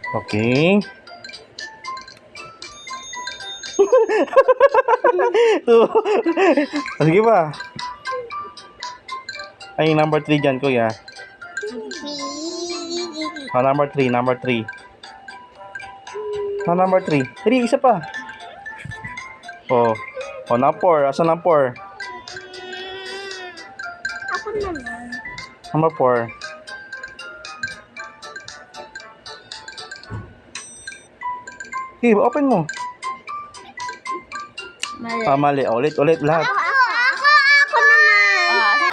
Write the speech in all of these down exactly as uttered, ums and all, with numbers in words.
Okay. Two. Sige pa. Ay, number three dyan, kuya. Oh, number three, number three. Oh, number three. Three, isa pa. Oh. Oh, na four. Asan na four? Ako naman. Number four. Okay, open mo. Mali. Ah, mali. Ulit, ulit lahat. Ako, ako, ako naman. Ah,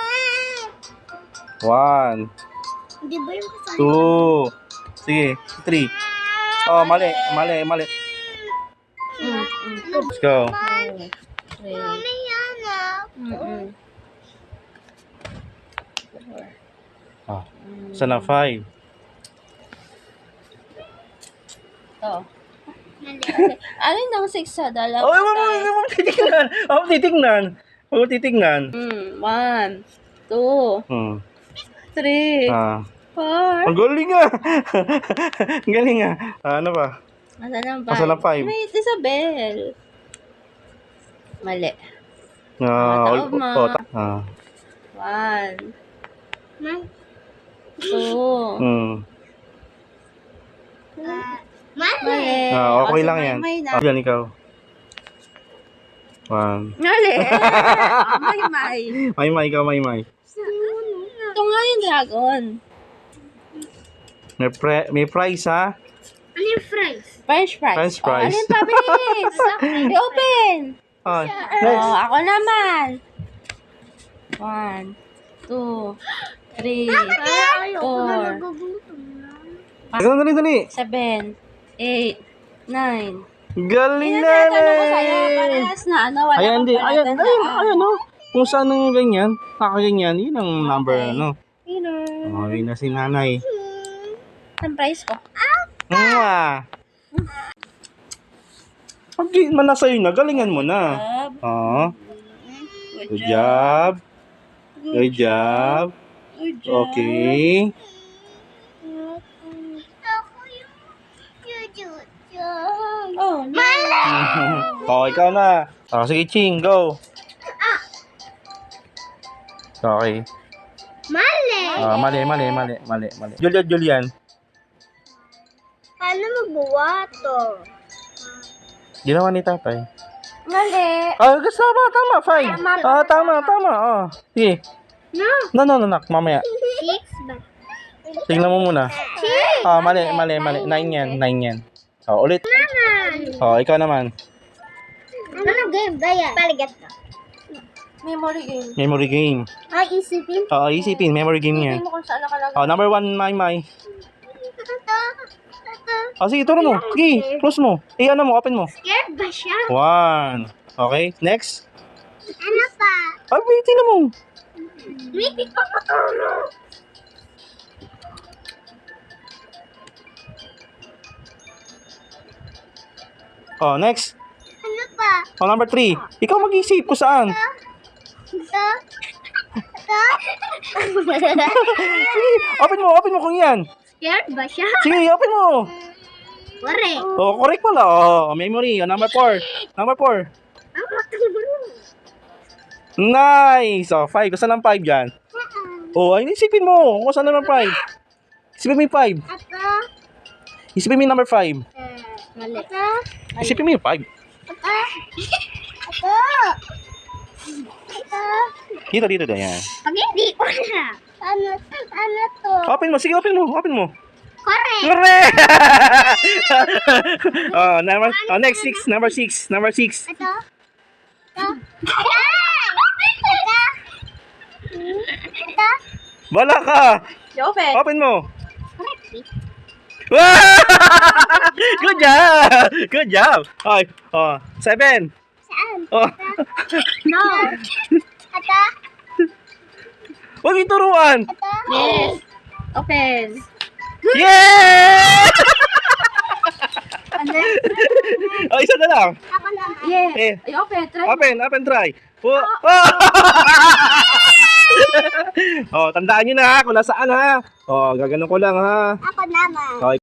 One, Di ba yung kasama? two. Sige, three. Oh, mali, mali, mali. mm, mm, Let's go. three, three, Mami, yan ah. mm, mm. Four. Ah, isa na five. Ito. Mali. Ano yung six sa dalawa? Oh, wag mo, wag mo titignan. Wag mo titignan. Wag mo titignan. Mm, one, two, Hmm. three, Ah. four. Ang galing ah. Ang galing ah. Ah, ano ba? Asan ang five? Asan ang five? Wait, Isabel. Mali. Ah, Ah, ul- tama. oh, ta- ah. One, Ma- two. Hmm. ah, Mali. Mali. Ah, okay O, si lang yan. Maymay na. Ah, yan ikaw. One. Mali. Ah, Maymay. May may ikaw, may may. Ito nga yung dragon. May, pre- may prize ha? Ano yung fries? French fries. French Oh, fries. alin pa, bilis? I-open. Ah, Oh, next. ako naman. One, two, three, Ay, ayoko na four, nagugutom na. Dali, dali, dali. seven, eight, nine. Galing na Tinatanong ko sa'yo, parehas na ano, wala Ayan, kang di. Ayan, ayan, palatandaan. ayan, oh. Kung saan ang ganyan, nakaganyan, yun ang number, Okay. ano. Winner. Oh, yun na si nanay. Ang price ko. Mwah! Pag di man na sa'yo na, galingan mo na. Job. Oh, Good good job. job. Good job. Good job. Okay. Ako yung yun. Oh, no. Oh, ikaw na. Oh, sige, Ching, go. Okay. Mali. Ah, mali, mali, mali, mali, mali. Julian, Julian. Paano magbuwa to? Ginawa ni tatay. Mali. Ah, gusto tama, tama, five. Ah, tama, tama. Oh. Sige. No. No, no, no, nak, mamaya. Six ba? Tingnan mo muna. Six. Ah, mali, mali, mali. Nine yan, nine yan. Oh, ulit. Naman. Oh, ikaw naman. Anong game ba yan? Paligat ka. Memory game. Memory game. Ay, isipin. Oo, isipin. Memory game yan. Hindi mo kung saan nakalagay. Oh, number one, may may. Ito. Ito. Oh, sige, turo mo. Sige, close mo. Eh, ano mo, open mo. Scared ba siya? One. Okay, next. Ano pa? Ay, wait, tingnan mo. Hindi ko matulog. Oh, next. Ano pa? Oh, number three. Ikaw mag-isip kung saan. Ito. Ito. Sige, open mo, open mo kung yan. Scared ba siya? Sige, open mo. Wari. Oh, correct pala. Oh, memory. Oh, number four. Number four. Ang matulog. Nice. Oh, five. Kung saan ang five dyan? Oh, ay, isipin mo. Kung saan naman five? Isipin mo yung five. Ito. Isipin mo yung number five. Eh, Mali. Ito. Isipin mo yung five. Ito. Ito. Ito. Dito, dito, dito. Yan. Pag hindi ko na. Ano, ano to? Open mo. Sige, open mo. Open mo. Correct. Correct! oh, number, oh, next six. Number six. Number six. Ito. Ito. Ito. Ito. Bala ka! Open. Open mo. Correct. Wow! Good job! Good job! Okay. Oh, seven. Saan? Oh. No. Ito. Huwag ituruan. Ito. Yes. Open. Yeah! Ano? oh, isa na lang. Ako naman. Yes. Eh. Ay, open. Try. Open, open, try. Oh. Oh. oh, tandaan nyo na ha, kung nasaan ha. Oh, gaganon ko lang ha. Ako naman. Okay.